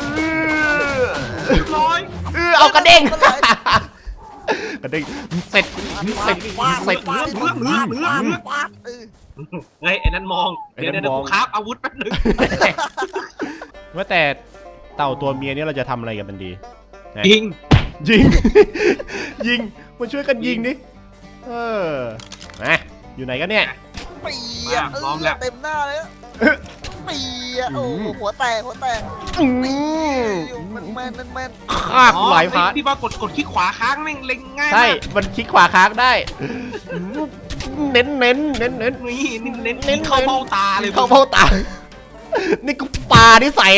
[SPEAKER 2] ร้อย
[SPEAKER 1] เออเอากระเด้ง
[SPEAKER 3] คนไหน
[SPEAKER 1] กระเด้งเสร็จเสร็จเสร็จ
[SPEAKER 3] ฟาดฟาดฟาดฟาดฟาดเออ
[SPEAKER 2] เฮ้ยไอ้นั่นมอง
[SPEAKER 1] ไอ้
[SPEAKER 2] เดี๋ยว
[SPEAKER 1] นั่น
[SPEAKER 2] เดี๋ยว
[SPEAKER 1] มอง
[SPEAKER 2] กูคราฟอาวุธแป๊บนึง
[SPEAKER 1] ว่าแต่เต่าตัวเมียเนี่ยเราจะทำอะไรกับมันดี
[SPEAKER 2] ยิง
[SPEAKER 1] ยิง ยิงมาช่วยกันยิงดิเออมาอยู่ไหนกันเนี่ย
[SPEAKER 3] ปีอะเออเต็มหน้าเลยอะปีอะโอ้โหหัวแตกหัวแตก
[SPEAKER 1] อื
[SPEAKER 3] ปี
[SPEAKER 1] ม
[SPEAKER 3] มันแมนมันแมน
[SPEAKER 1] ฆ่ากูหลายพาร์ท
[SPEAKER 2] พี่บอลกดกดคลิกขวาค้างแม่งเล็งง่าย
[SPEAKER 1] ใช่
[SPEAKER 2] มาก
[SPEAKER 1] มันคลิกขวาค้างได้ เน้นเน้นเน้นเน้น
[SPEAKER 2] นี่เน้นเน้น
[SPEAKER 1] เน้น
[SPEAKER 2] เข้าเบ้าตาเลย
[SPEAKER 1] เข้าเบ้าตา นี่กูปลาที่ใส่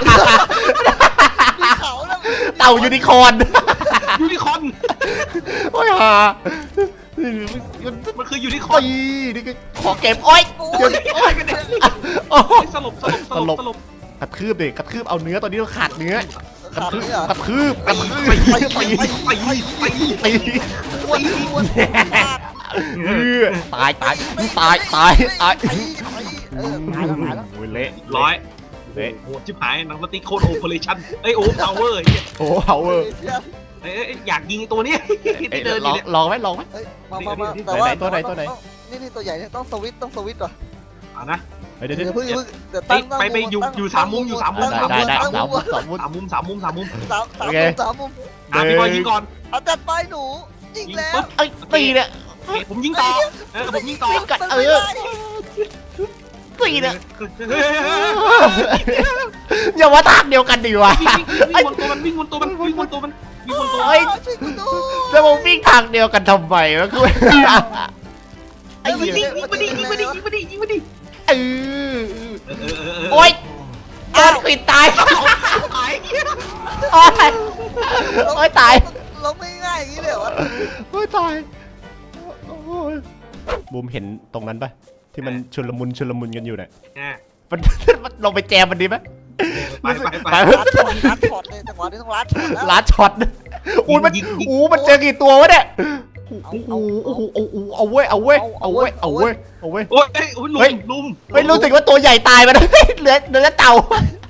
[SPEAKER 3] มีเขาแล้ว
[SPEAKER 1] เต่ายูนิคอร์น
[SPEAKER 2] ยูนิคอร์น
[SPEAKER 1] โอ้ยฮา
[SPEAKER 2] มันคือยูนิคอร์น
[SPEAKER 1] ตีนี่ก็ขอเก็บโอ้ย
[SPEAKER 3] โอ้
[SPEAKER 1] เดี๋ยวย
[SPEAKER 2] โอ้ยกันเนี่ย
[SPEAKER 1] โอ้ย
[SPEAKER 2] สลบสลบสลบสลบ
[SPEAKER 1] กระทืบดิกระทืบเอาเนื้อตอนนี้เราขาดเนื้อ กระ
[SPEAKER 3] ขาด
[SPEAKER 1] ทืบ
[SPEAKER 3] นี่เหรอก
[SPEAKER 1] ระทืบกระทืบ
[SPEAKER 2] ไป
[SPEAKER 1] ตี
[SPEAKER 2] ไป
[SPEAKER 1] ตี
[SPEAKER 2] ไปไปไป
[SPEAKER 1] ตี
[SPEAKER 3] อ้วนอ้วนฟาด
[SPEAKER 1] เออตายตายตายตายตาย
[SPEAKER 3] ตีตีเออตายแล้วตายแล้ว
[SPEAKER 1] โอ้ยเละ
[SPEAKER 2] ร้อย
[SPEAKER 1] เละ
[SPEAKER 2] โหชิบหายหนังสติ๊กโคตรโอเปอเรชั่นเอ้ยโอ้พาวเวอร์
[SPEAKER 1] โอ้เอาเวอร์
[SPEAKER 2] เอ้ยอยากยิงตัวนี้
[SPEAKER 1] เอ้ย
[SPEAKER 2] ที่เดินอ
[SPEAKER 1] ลอยู่ ง
[SPEAKER 2] เนี่ย
[SPEAKER 1] ลองไหมลองไหม
[SPEAKER 3] เฮ้ยมามามาแต่ว่า
[SPEAKER 1] ไหนตัวไหนตัวไหน
[SPEAKER 3] นี่นี่ตัวใหญ่เนี่ยต้องสวิตต้องสวิตว่ะ
[SPEAKER 2] อ่ะนะ
[SPEAKER 1] เฮ้ยเดี๋ยว
[SPEAKER 3] เดี๋
[SPEAKER 1] เดี๋
[SPEAKER 3] ย
[SPEAKER 1] ยว ว
[SPEAKER 3] เพิ่งเพิ่งเดี๋ยวตั้ง
[SPEAKER 2] ไปไปอยู่อยู่สามมุมอยู่สามมุม
[SPEAKER 1] ได้ได้ได้
[SPEAKER 3] ตั้ง
[SPEAKER 1] สาม
[SPEAKER 3] มุ
[SPEAKER 1] มุ
[SPEAKER 3] ม
[SPEAKER 1] มสามมุม
[SPEAKER 2] สามมุมสามมุมสามมุม
[SPEAKER 3] สามสาม
[SPEAKER 1] โอเค
[SPEAKER 3] มุมสามมุม
[SPEAKER 2] อ่ะพี่บอยยิงก่อน
[SPEAKER 3] เอาจัดไปหนูยิงแล้ว
[SPEAKER 1] เอ้ยตีเนี่ย
[SPEAKER 2] เอ้ยผมยิงต่อเออผมยิงต่อ
[SPEAKER 1] กัดเออตีเนี่ยอย่ามาทางเดียวกันดิวะ
[SPEAKER 2] วิ่งวิ่งบนตัวมันวิ่งบนตัวมันวิ่งบนตัวมันวิ่งบนตัว
[SPEAKER 1] เฮ้ย
[SPEAKER 3] ช่วยกูดู
[SPEAKER 1] จะมาวิ่งทางเดียวกันทำไมวะกูไอ้
[SPEAKER 2] ยิ
[SPEAKER 1] เหี้
[SPEAKER 2] ง
[SPEAKER 1] ย
[SPEAKER 2] ยิงมาดิยิงมาดิยิงมาดิยิงมาดิ
[SPEAKER 1] เออ
[SPEAKER 2] เออเออเออ
[SPEAKER 1] โอ๊ยโดนปิดตาย
[SPEAKER 2] ตาย
[SPEAKER 1] โอ๊ยโอ๊ยตาย
[SPEAKER 3] ลงไม่ง่ายอย่างนี้เลยเหรอวะ
[SPEAKER 1] โอ๊ยตายโอ๊ยบูมเห็นตรงนั้นปะที่มันชุลมุนชุลมุนกันอยู่เนี่ย
[SPEAKER 2] อ่ะ
[SPEAKER 1] มันมันลงไปแจมมันดีไหม
[SPEAKER 2] ไปไปไป
[SPEAKER 1] ไป
[SPEAKER 3] ลัดช็อตลัดช็อตเลยจังหวะนี้ต้องลัดช็อตแล้ว
[SPEAKER 1] ลาดช็อตอู้มันอู้มันเจอกี่ตัววะเนี่ยโอ้โหโอ้โหโอ้โหเอาเว้ยเอาเว้ยเอาเว้ยเอาเว้ยเอาเว้ย
[SPEAKER 2] โอ้ยโอ้ยลุมลุม
[SPEAKER 1] ไม่รู้สึกว่าตัวใหญ่ตายไปแล้วเหลือเหลือแต่เต่า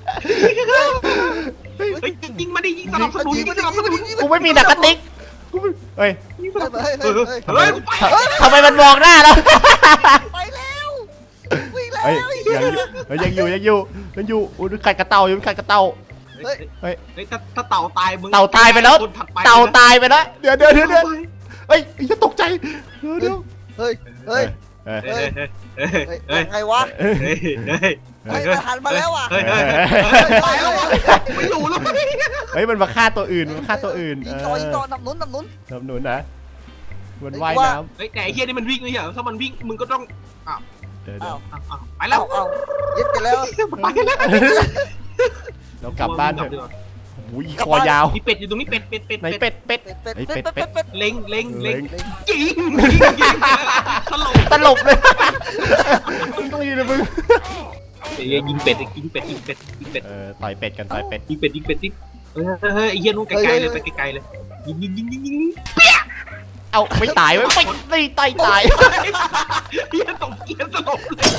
[SPEAKER 2] เฮ้ยยิงมาดิยิงสนับสนุนยิงสนับสนุน
[SPEAKER 1] กูไม่มีหนักกระติกกูไม่เฮ้ย
[SPEAKER 2] ยิงสนับสนุน
[SPEAKER 3] เฮ้ย
[SPEAKER 2] เอ
[SPEAKER 3] เฮ้ย
[SPEAKER 2] อ
[SPEAKER 3] เฮ้ย
[SPEAKER 2] เฮ้ยไป
[SPEAKER 1] ทำไมมันมองหน้าแล้ว
[SPEAKER 3] ไปแล้ววิ่งแล้ว
[SPEAKER 1] เฮ้ยยังอยู่เฮ้ยยังอยู่ยังอยู่ยังอยู่อุ้ยขัดกระเต่าอยู่ขัดกระเต่า
[SPEAKER 2] เฮ้ยเฮ้ยถ้าถ้าเต่าตายมึง
[SPEAKER 1] เต่าตายไปแล้ว
[SPEAKER 2] คนถัดไป
[SPEAKER 1] เต่าตายไปแล้วเดี๋ยวเดี๋ยวเดี๋ยวเดี๋ยวเฮ้ยจะตกใจเดี๋ยวเดี๋ยว
[SPEAKER 3] เฮ้ยเฮ้ย
[SPEAKER 1] เฮ้ย
[SPEAKER 2] เฮ้ยเฮ้ยเฮ้ย
[SPEAKER 3] เฮ้ย
[SPEAKER 2] เฮ้ย
[SPEAKER 3] ยังไงวะ
[SPEAKER 1] เฮ้ย
[SPEAKER 2] เฮ้ยเฮ้ย
[SPEAKER 3] เฮ้ยมันหันมาแล้วว่ะ
[SPEAKER 2] เฮ้ย
[SPEAKER 1] เอ
[SPEAKER 2] เฮ้ย
[SPEAKER 1] อ
[SPEAKER 2] ตายแล้วไม่อยู่แล้ว
[SPEAKER 1] เฮ้ยมันมาฆ่าตัวอื่นมันมาฆ่าตัวอื่น
[SPEAKER 3] ยิ
[SPEAKER 1] เอง
[SPEAKER 3] ต่อยิง
[SPEAKER 1] อ
[SPEAKER 3] ต่อนับหนุนนับหนุน
[SPEAKER 1] สนับสนุนนะมันว่ายน้
[SPEAKER 2] เฮ้ยแต่ไอ้เฮียนี่มันวิ่งไม่ใช่เหรอถ้ามันวิ่งมึงก็ต้อง
[SPEAKER 1] ำเดี๋ยว
[SPEAKER 3] อ้าว
[SPEAKER 2] อ้าวอ้าวไปแล้
[SPEAKER 3] เอา
[SPEAKER 2] ว
[SPEAKER 3] เอายึดกันแล้ว
[SPEAKER 2] ไปแล้ว
[SPEAKER 1] เรากลับบ้านเถอะโอ้ยคอยาว
[SPEAKER 2] มีเป็ดอยู่ตรงนี้เป็ดเป็ดเป็ด
[SPEAKER 1] ไหนเป็ดเป็ด
[SPEAKER 3] เป็ดเป็ดเป็ดเป็ดเป็ด
[SPEAKER 2] เล็งเล็งเล็ง
[SPEAKER 1] เล็ง
[SPEAKER 2] ยิงยิงตลก
[SPEAKER 1] ตลบเลยมึงต้องยืนนะมึง
[SPEAKER 2] ยิงเป็ดยิงเป็ดยิงเป็ดยิงเป็ด
[SPEAKER 1] เออต่อยเป็ดกันต่อยเป็ด
[SPEAKER 2] ยิงเป็ดยิงเป็ดยิงเฮ้ยเฮ้ยไอ้เฮียนู้นไกลๆเลยไปไกลๆเลยยิงยิงยิงยิงยิง
[SPEAKER 1] เอาไม่ตายไว้ไม่ไม่ตายตาย
[SPEAKER 2] เฮียตบเกียร์ตลบเลย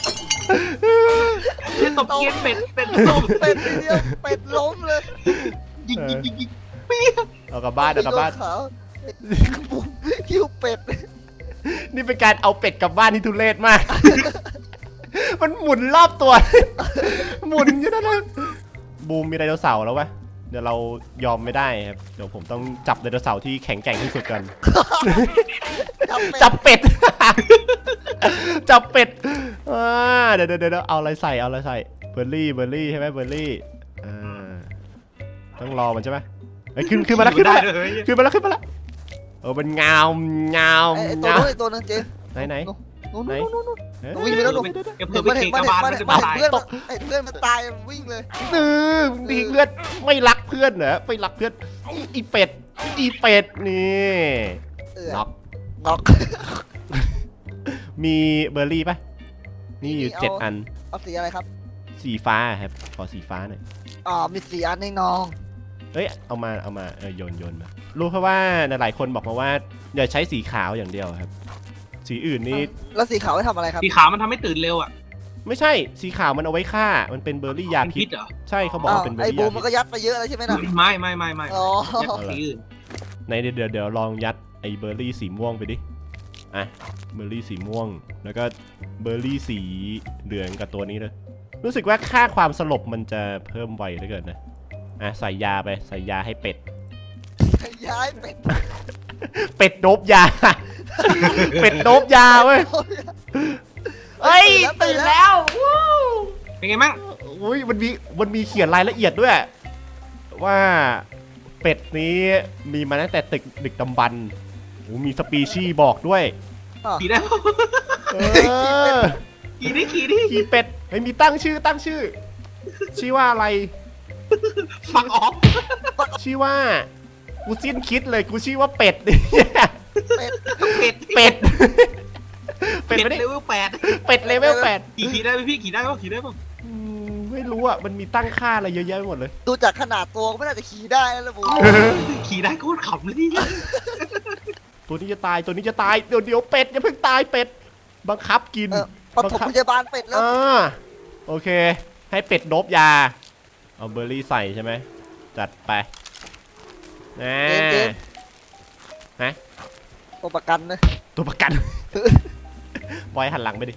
[SPEAKER 2] เฮียตบเกียร์เป็ดเป็ดตบ
[SPEAKER 3] เป็ดทีเดียวเป็ดล้มเลย
[SPEAKER 2] ยิงยิงยิงยิง
[SPEAKER 1] เอากลับบ้านเอากลับบ้าน
[SPEAKER 3] ขาวคิวเป็ด
[SPEAKER 1] นี่เป็นการเอาเป็ดกลับบ้านที่ทุเรศมาก มันหมุนรอบตัว หมุนอยู่นั่นเลยบูมมีไดโนเสาร์แล้ววะเดี๋ยวเรายอมไม่ได้ครับเดี๋ยวผมต้องจับไดโนเสาร์ที่แข็งแกร่งที่สุดกัน จับเป็ด จับเป็ดอ่าเดี๋ยวเดี๋ยวเดี๋ยวเอาอะไรใส่เอาอะไรใส่เบอร์รี่เบอร์รี่ใช่ไหมเบอร์รี่อ่าต้องรอมันใช่ไหมไอ้ยขึ้นขึ้นมาแล้วขึ้นมาแล้วขึ้นมาแล้วขึ้นมาแล้วเออมันงามงาม
[SPEAKER 3] ไอ้ตัว
[SPEAKER 1] งาม
[SPEAKER 3] นู้นไอ้ตัวนึงเจม
[SPEAKER 1] ไหนไหน
[SPEAKER 3] นู้น
[SPEAKER 1] ไหน
[SPEAKER 3] นู้นนู้น
[SPEAKER 1] เอ้ย
[SPEAKER 3] วิ่งไปแล้วลูก
[SPEAKER 2] เพื่อนไป
[SPEAKER 3] มัน
[SPEAKER 2] เท
[SPEAKER 3] เห็น
[SPEAKER 2] ก
[SPEAKER 3] มัน
[SPEAKER 2] บาล
[SPEAKER 3] เห็น
[SPEAKER 2] มั
[SPEAKER 3] มัน น
[SPEAKER 2] จะ
[SPEAKER 3] เห็น
[SPEAKER 2] ตาย
[SPEAKER 3] เพื่อนไอ้เพื่อนมันตายมันวิ่งเลย
[SPEAKER 1] ดื้อมึงดีเลือดไม่รักเพื่อนเหรอไม่รักเพื่อนอีเป็ดอีเป็ดนี่
[SPEAKER 3] เออ
[SPEAKER 1] น็อก
[SPEAKER 3] น็อก
[SPEAKER 1] มีเบอร์รี่ปะนี่อยู่เจ็ดอัน
[SPEAKER 3] เอาสีอะไรครับ
[SPEAKER 1] สีฟ้าครับขอสีฟ้าหน่อย
[SPEAKER 3] อ๋อมีสีอันในน้อง
[SPEAKER 1] เอ้ยเอามาเอามาเออโยนโยนมารู้เพราะว่าหลายคนบอกมาว่าอย่าใช้สีขาวอย่างเดียวครับ สีอื่นนี่
[SPEAKER 3] แล้วสีขาวไว้ทำอะไรครับ
[SPEAKER 2] สีขาวมันทำให้ตื่นเร็วอ่ะ
[SPEAKER 1] ไม่ใช่สีขาวมันเอาไว้ฆ่ามันเป็นเบอร์รี่ยา
[SPEAKER 2] เป็น
[SPEAKER 1] พิ
[SPEAKER 2] พิ
[SPEAKER 1] ษ
[SPEAKER 2] ษเหรอ
[SPEAKER 1] ใช่เขาบอก
[SPEAKER 3] อ้าว
[SPEAKER 1] ว่าเป็นเบอ
[SPEAKER 3] ไอ้
[SPEAKER 1] ร์รี่
[SPEAKER 3] บู
[SPEAKER 1] ยาม
[SPEAKER 3] มัน
[SPEAKER 1] พิษ
[SPEAKER 3] ก็ยัดไปเยอะแล้วใช่ไหมน่ะ
[SPEAKER 2] ไม่ไม่ไม่ไม่
[SPEAKER 3] อ๋อ
[SPEAKER 2] สีอื่น
[SPEAKER 1] ในเดี๋ยวเดี๋ยวเดี๋ยวลองยัดไอ้เบอร์รี่สีม่วงไปดิอ่ะเบอร์รี่สีม่วง แล้วก็เบอร์รี่สีเหลืองกับตัวนี้เลยรู้สึกว่าค่าความสลบมันจะเพิ่มไวเหลือเกินนะอ่ะใส่ยาไปใส่ยาให้เป็ด
[SPEAKER 3] ย้ายเป็ด
[SPEAKER 1] เป็ดโดบยา เป็ดโดบยาเว้ยเอ้ยตื่นแล้ววู้
[SPEAKER 2] เป็นไงมั่ง
[SPEAKER 1] อุ้ยมันมีมันมีเขียนรายละเอียดด้วย ว่าเป็ดนี้มีมาตั้งแต่ตึกดึกดำบรรพ์โอ้มีสปีชีส์บอกด้วย
[SPEAKER 2] ขี่ได้
[SPEAKER 1] เออ
[SPEAKER 2] ขี่ดิขี่ดิ
[SPEAKER 1] ขี่เป็ดเฮ้ยมีตั้งชื่อตั้งชื่อ ชื่อว่าอะไร
[SPEAKER 2] ฟังออก
[SPEAKER 1] ชื่อว่ากูสิ้นคิดเลยกูชื่อว่าเป็ด
[SPEAKER 3] เป็ด
[SPEAKER 2] เป็ด
[SPEAKER 1] เป็ด เป็
[SPEAKER 2] เป็
[SPEAKER 1] ด
[SPEAKER 2] ด
[SPEAKER 1] ไม่ได้
[SPEAKER 2] เลเวลแปด
[SPEAKER 1] เป็ดเลเวลแปด
[SPEAKER 2] ขี่ขี่ได้ไหมพี่ขี่ได้ป่ะขี่ได้ป่ะ
[SPEAKER 1] อืมไม่รู้อ่ะมันมีตั้งค่าอะไรเยอะแยะไปหมดเลย
[SPEAKER 3] ดูจากขนาดตัวก็ไม่น่าจะขี่ได้แล้วล่ะบู
[SPEAKER 2] ขี่ได้โคตรขำเลยนี่
[SPEAKER 1] ตัวนี้จะตายตัวนี้จะตายเดี๋ยวเดี๋ยวเป็ดอย่าเพิ่งตายเป็ดบังคับกิน
[SPEAKER 3] เออปฐมพยาบาลเป็ดแล้ว
[SPEAKER 1] อ่าโอเค ให้เป็ดโดบยาเอาเบอร์รี่ใส่ใช่ไหมจัดไปนะ
[SPEAKER 3] เจมส์เจมส์
[SPEAKER 1] นะ
[SPEAKER 3] ตัวประกันนะ
[SPEAKER 1] ตัวประกัน ปล่อยหันหลังไปดิ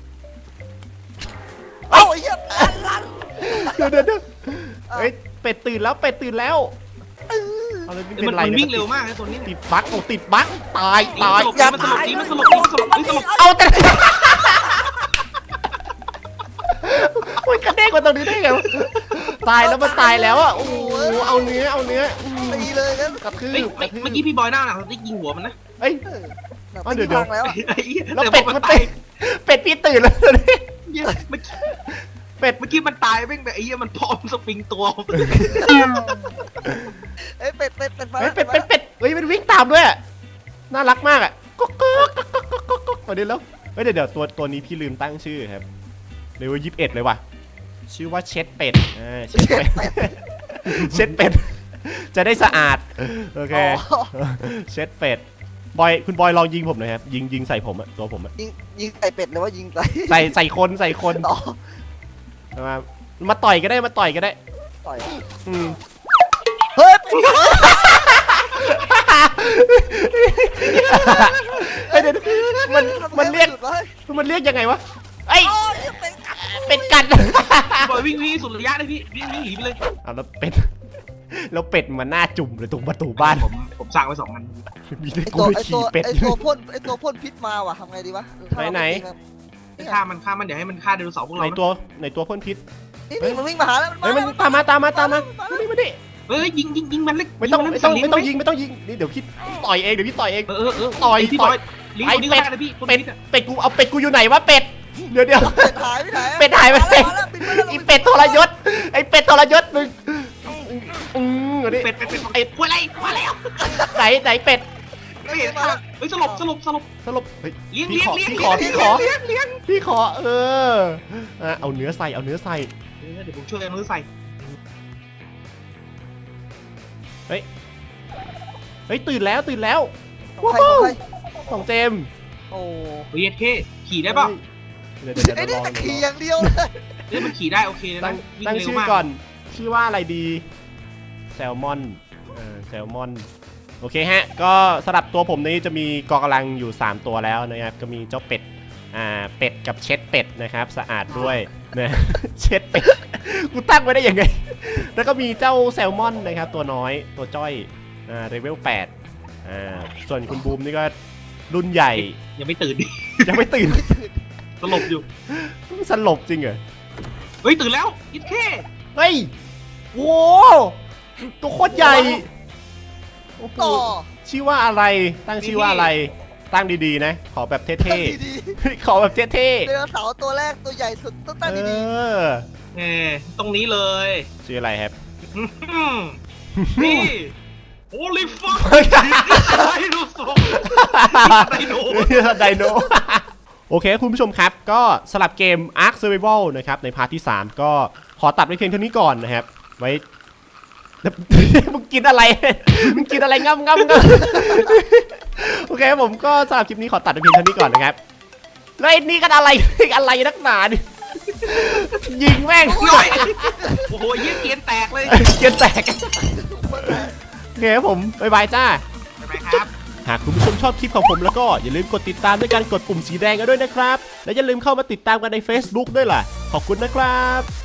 [SPEAKER 3] เอ้าไอ้เหี้ยอันลัน
[SPEAKER 1] เดี๋ยวเดี๋ยวเดี๋ยวเฮ้ยเป็ดตื่นแล้วเป็ดตื่นแล้วเอาเลยไม่
[SPEAKER 2] มั
[SPEAKER 1] เป็น นไร
[SPEAKER 2] มัน
[SPEAKER 1] เนี่ย
[SPEAKER 2] วิ่งเร็วมากนะตัวนี้
[SPEAKER 1] ติดบั๊กโอ้ติดบั๊กตายตาย
[SPEAKER 2] มันสลบดีมันสลบดีมันสลบดีมันสลบ
[SPEAKER 1] เอาแต่โอ้ยกระเด้งมาตรงนี้ได้ไงวะตายแล้วมันตายแล้วอ่ะโอ้โหเอาเนื้อเอาเนื้ออืม
[SPEAKER 3] ตีเลยนะ
[SPEAKER 1] กระทืบ
[SPEAKER 2] เฮ้ย
[SPEAKER 1] กระทืบ
[SPEAKER 2] เมื่อกี้พี่บอยหน้าหนังติ๊กยิงหัวมันนะ
[SPEAKER 1] เอ้ย
[SPEAKER 3] เออ
[SPEAKER 1] อ๋อเดี๋ยวเดี๋ยว
[SPEAKER 3] พังแล้ว
[SPEAKER 1] แล้วเป็ดมันเป็ดเป็ดพี่ตื่นแล้วนี่
[SPEAKER 2] เมื่อกี้
[SPEAKER 1] เป็ด
[SPEAKER 2] เมื่อกี้มันตายแม่งแบบไอ้เหี้ยมันพร้อมสปริงตัว
[SPEAKER 3] เอ้ยเป็ดเป็ดเป็ดมา
[SPEAKER 1] เฮ้ยเป็ดเป็ดเป็ดเฮ้ยมันวิ่งตามด้วยอะน่ารักมากอ่ะก๊อกก๊อกก๊อกก๊อกก๊อกก๊อกก๊อกมาดิแล้วเฮ้ยเดี๋ยวเดี๋ยวตัวตัวนี้พี่ลืมตั้งชื่อครับเลเวลยี่สิบเอ็ดเลยว่ะชื่อว่าเช็ดเป็ดอ่าเช็ดเป็ดเช็ดเป็ดจะได้สะอาดโอเค
[SPEAKER 3] อ๋อ
[SPEAKER 1] เช็ดเป็ดบอยคุณบอยลองยิงผมหน่อยครับยิงยิงใส่ผมอะตัวผมอะ
[SPEAKER 3] ยิงยิงใส่เป็ดหรือว่ายิงใส่
[SPEAKER 1] ใส่ใส่คนใส่คน
[SPEAKER 3] อ๋อ
[SPEAKER 1] มามาต่อยก็ได้มาต่อยก็ได้
[SPEAKER 3] ต่อย
[SPEAKER 1] อืม
[SPEAKER 3] เฮ้ยเป็ด
[SPEAKER 1] เฮ้ยเดี๋ยวมันมันเรียก
[SPEAKER 3] หดไว้
[SPEAKER 1] มันเรียกยังไงวะเอ้ย
[SPEAKER 3] โอ้ยเป็ดกัด
[SPEAKER 1] เป็ดกัด
[SPEAKER 2] บอยวิ่งวิ่งสุดระยะเลยพี่วิ่งวิ่งหนีไปเลย
[SPEAKER 1] เอาแล้วเป็ดแล้วเป็ดมันหน้าจุ่มเลยตรงประตูบ้าน
[SPEAKER 2] ผมผมสร้างไว้สองอัน
[SPEAKER 1] มีแต่
[SPEAKER 3] ไอ
[SPEAKER 1] กู
[SPEAKER 3] ตัว
[SPEAKER 1] ไป
[SPEAKER 3] ไอตั
[SPEAKER 1] ขี่
[SPEAKER 3] ว
[SPEAKER 1] เป็ด
[SPEAKER 3] ไอตัวพ่นไอตัวพ่นพิษมาว่ะทำไงดีวะ
[SPEAKER 1] ไหนไหน
[SPEAKER 2] ฆ่ามันฆ่ามันเดี๋ยวให้มันฆ่าไดโนเสาร์พวก
[SPEAKER 1] ใน
[SPEAKER 2] เรานะ
[SPEAKER 1] ตัวในตัวพ่นพิษ
[SPEAKER 3] นี่นี่มันวิ่งมาหาแล้ว
[SPEAKER 1] เฮ้ยมันตามมาตามมาตามมามาดิมาดิ
[SPEAKER 2] เอ้ยยิงยิงยิงมันเล็ก
[SPEAKER 1] ไม่ต้อง
[SPEAKER 2] ยิ
[SPEAKER 1] ไม่ต้อง
[SPEAKER 2] น
[SPEAKER 1] ไม่ต้อง
[SPEAKER 2] เลี้
[SPEAKER 1] ยิงไม่ต้องยิงนี่เดี๋ยวพี่ต่อยเองเดี๋ยวพี่ต่อยเอง
[SPEAKER 2] เออเออเออ
[SPEAKER 1] ต่อย
[SPEAKER 2] พี่
[SPEAKER 1] ต่
[SPEAKER 2] ต่
[SPEAKER 1] อ
[SPEAKER 2] อย ยลิงก์คนนี้ก็ได้นะพี่คน
[SPEAKER 1] เป็ด
[SPEAKER 2] นี้อะ
[SPEAKER 1] เป็ดกูเอาเป็ดกูอยู่ไหนวะเป็ดเดี๋ยวเดี๋ยว
[SPEAKER 3] เป็ดหายไปไหน
[SPEAKER 1] เป็ดหายไปไหน
[SPEAKER 3] มาแล้วบินมาแล้ว
[SPEAKER 1] ไอเป็ดทรยศไอเป็ดทรยศมึงอืมเดี๋ยวดิ
[SPEAKER 2] เป็ดเป็ดเป็ดไอ้ควยอะไรมาแล้ว
[SPEAKER 1] ไหนไหนเป็ด
[SPEAKER 2] ไม่เห็นมาเฮ้ยสลบสลบสลบ
[SPEAKER 1] สรุปเฮ้ย
[SPEAKER 2] เลี้ยง
[SPEAKER 1] พี่
[SPEAKER 2] เลี้ยง
[SPEAKER 1] ขอ
[SPEAKER 2] เลี้ยง
[SPEAKER 1] พี่ขอพี่ขอ
[SPEAKER 2] เลี้ยงเลี้ยง
[SPEAKER 1] พี่ขอเอออ่ะเอาเนื้อใส่เอาเนื้อใส่
[SPEAKER 2] เออเดี๋ยวผมช่วยเอามือใส่
[SPEAKER 1] เฮ้ยตื่นแล้วตื่นแล้ว
[SPEAKER 3] ของใครของใคร
[SPEAKER 1] ของเจมส์
[SPEAKER 3] โอ้
[SPEAKER 2] เฮ้ยเท่ขี่ได้เปล่า
[SPEAKER 1] เดี๋ยวเดี๋ยวเดี๋ยว
[SPEAKER 3] ไอ้นี่
[SPEAKER 1] ลอง
[SPEAKER 3] แต่
[SPEAKER 1] ดู
[SPEAKER 3] ขี่อย่างเดียวเลย
[SPEAKER 2] เฮ้ยมันขี่ได้โอเคเลย
[SPEAKER 1] ตั้
[SPEAKER 2] นะ
[SPEAKER 1] ง
[SPEAKER 2] วิ่
[SPEAKER 1] ตั้ง
[SPEAKER 2] เร็ว
[SPEAKER 1] ชื่อ
[SPEAKER 2] มาก
[SPEAKER 1] ก่อนชื่อว่าอะไรดีแซลมอนเออแซลมอนโอเคฮะก็สำหรับตัวผมนี้จะมีกองกำลังอยู่สามตัวแล้วนะครับก็มีเจ้าเป็ดอ่าเป็ดกับเช็ดเป็ดนะครับสะอาดด้วยนะ เช็ดเป็ดกูตั้งไว้ได้ยังไง แล้วก็มีเจ้าแซลมอนนะครับตัวน้อยตัวจ้อยอ่าเลเวลแปดอ่าส่วนคุณบูมนี่ก็รุ่นใหญ่
[SPEAKER 2] ยังไม่ตื่นดิ
[SPEAKER 1] ยังไม่ตื่น
[SPEAKER 2] สลบอยู่
[SPEAKER 1] สลบจริงเหรอ
[SPEAKER 2] เฮ้ยตื่นแล้วยิดเท่
[SPEAKER 1] เฮ้ยโว้ตัวโคตรใหญ่โอ้โห
[SPEAKER 3] ต่อ
[SPEAKER 1] ชื่อว่าอะไร ตั้งชื่อว่าอะไร ตั้งดีๆนะ ขอแบบเท่
[SPEAKER 3] ดี
[SPEAKER 1] ๆ ขอแบบเท่
[SPEAKER 3] ๆไดโนเสาร์ตัวแรกตัวใหญ่สุดต้อง
[SPEAKER 1] ๆ
[SPEAKER 3] ตั้ง
[SPEAKER 1] เอ
[SPEAKER 3] ดี
[SPEAKER 1] อ
[SPEAKER 2] แหมตรงนี้เลย
[SPEAKER 1] ชื่ออะไรครับ
[SPEAKER 2] อืมนี่โอลิฟังไดโนเสาร์ไดโน
[SPEAKER 1] ไดโน โอเคคุณผู้ชมครับ ก็สลับเกม Ark Survival นะครับ ในพาร์ทที่ สาม ก็ขอตัดไว้เพียงเท่านี้ก่อนนะครับ ไว้ มึงกินอะไร มึงกินอะไรง่ำง่ำง่ำโอเคผมก็สำหรับคลิปนี้ขอตัดไว้เพียงเท่านี้ก่อนนะครับแล้วไอ้นี่กันอะไร อะไรนักหนาดิยิงแม่ง
[SPEAKER 2] หน่อยโอ้โหเยี่ยเกียนแตกเลย
[SPEAKER 1] เกียนแตกโอเคครับผมบ๊ายบายจ้า
[SPEAKER 2] ไปครับ
[SPEAKER 1] หากคุณผู้ชมชอบคลิปของผมแล้วก็อย่าลืมกดติดตามด้วยการกดปุ่มสีแดงกันด้วยนะครับและอย่าลืมเข้ามาติดตามกันใน Facebook ด้วยล่ะขอบคุณนะครับ